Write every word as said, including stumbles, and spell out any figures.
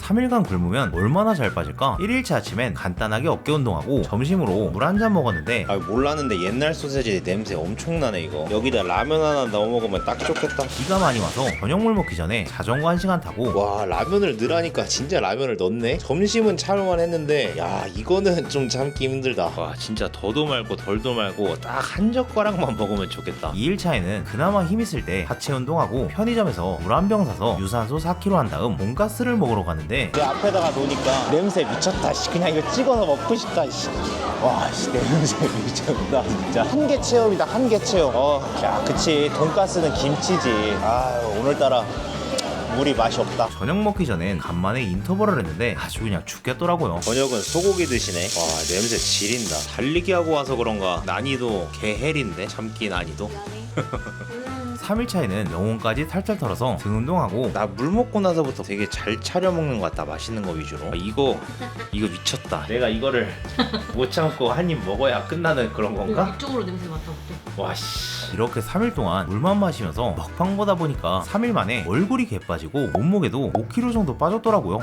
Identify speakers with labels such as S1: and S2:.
S1: 삼 일간 굶으면 얼마나 잘 빠질까? 일 일차 아침엔 간단하게 어깨 운동하고 점심으로 물 한 잔 먹었는데
S2: 아 몰랐는데 옛날 소세지 냄새 엄청나네 이거. 여기다 라면 하나 넣어 먹으면 딱 좋겠다.
S1: 비가 많이 와서 저녁물 먹기 전에 자전거 한 시간 타고
S2: 와 라면을 넣으라니까 진짜 라면을 넣네. 점심은 참을만 했는데 야 이거는 좀 참기 힘들다. 와 진짜 더도 말고 덜도 말고 딱 한 젓가락만 먹으면 좋겠다.
S1: 이 일차에는 그나마 힘 있을 때 하체 운동하고 편의점에서 물 한 병 사서 유산소 사 킬로그램 한 다음 돈가스를 먹으러 갔는데
S2: 내 앞에다가 놓으니까 냄새 미쳤다. 씨. 그냥 이거 찍어서 먹고 싶다. 씨. 와, 씨, 냄새 미쳤다. 진짜 한개 체험이다. 한개 체험. 어, 야, 그치. 돈가스는 김치지. 아, 오늘따라 물이 맛이 없다.
S1: 저녁 먹기 전엔 간만에 인터벌을 했는데 아주 그냥 죽겠더라고요.
S2: 저녁은 소고기 드시네. 와, 냄새 지린다. 달리기 하고 와서 그런가 난이도 개헬인데 참기 난이도.
S1: 삼 일차에는 영혼까지 탈탈 털어서 등 운동하고
S2: 나 물 먹고 나서부터 되게 잘 차려 먹는 것 같다. 맛있는 거 위주로. 아, 이거 이거 미쳤다. 내가 이거를 못 참고 한 입 먹어야 끝나는 그런 건가?
S3: 이쪽으로 냄새 맡아볼게.
S2: 와 씨.
S1: 이렇게 삼 일 동안 물만 마시면서 먹방 보다 보니까 삼 일 만에 얼굴이 개빠지고 몸무게도 오 킬로그램 정도 빠졌더라고요.